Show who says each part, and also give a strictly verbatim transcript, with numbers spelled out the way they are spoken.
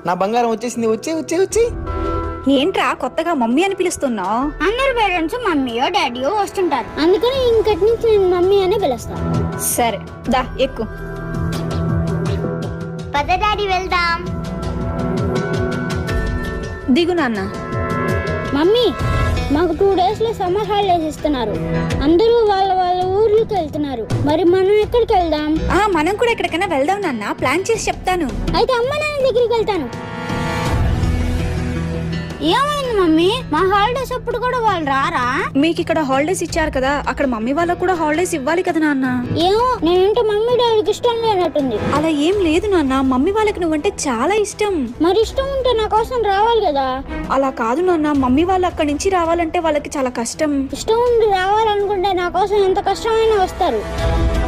Speaker 1: నా బంగారం వచ్చేసింది. వచ్చే వచ్చే వచ్చే
Speaker 2: ఏంట్రా కొత్తగా మమ్మీ అని పిలుస్తున్నావు?
Speaker 3: అందరు పేరెంట్స్ మమ్మీయో డాడీయో వస్తుంటారు, అందుకని ఇంకటి నుంచి నేను మమ్మీ అనే పిలుస్తాను.
Speaker 2: సరే దా ఎక్కు.
Speaker 3: పద డాడీ వెళ్దాం.
Speaker 2: దిగు నాన్న.
Speaker 3: మమ్మీ, మాకు టూ డేస్ లో సమ్మర్ హాలిడేస్ ఇస్తున్నారు. అందరూ వాళ్ళ వాళ్ళ ఊర్లకు వెళ్తున్నారు. మరి మనం ఎక్కడికి వెళ్దాం?
Speaker 2: ఆ మనం కూడా ఎక్కడికైనా వెళ్దాం నాన్న. ప్లాన్ చేసి చెప్తాను.
Speaker 3: అయితే అమ్మ నాన్న దగ్గరికి వెళ్తాను. ఏమైంది మమ్మీ? మా హాలిడేస్ అప్పుడు కూడా వాళ్ళు రారా?
Speaker 2: మీకు ఇక్కడ హాలిడేస్ ఇచ్చారు కదా, అక్కడ మమ్మీ వాళ్ళకు కూడా హాలిడేస్ ఇవ్వాలి కదా నాన్న.
Speaker 3: ఏమో, నేనంటే మమ్మీ డాడీకి ఇష్టం లేనట్టుంది.
Speaker 2: అలా ఏం లేదు నాన్న, మమ్మీ వాళ్ళకి నువ్వంటే చాలా ఇష్టం.
Speaker 3: మరి ఇష్టం ఉంటే నా కోసం రావాలి కదా.
Speaker 2: అలా కాదు నాన్న, మమ్మీ వాళ్ళు అక్కడి నుంచి రావాలంటే వాళ్ళకి చాలా కష్టం.
Speaker 3: ఇష్టం ఉండి రావాలనుకుంటే నా కోసం ఎంత కష్టమైనా వస్తారు.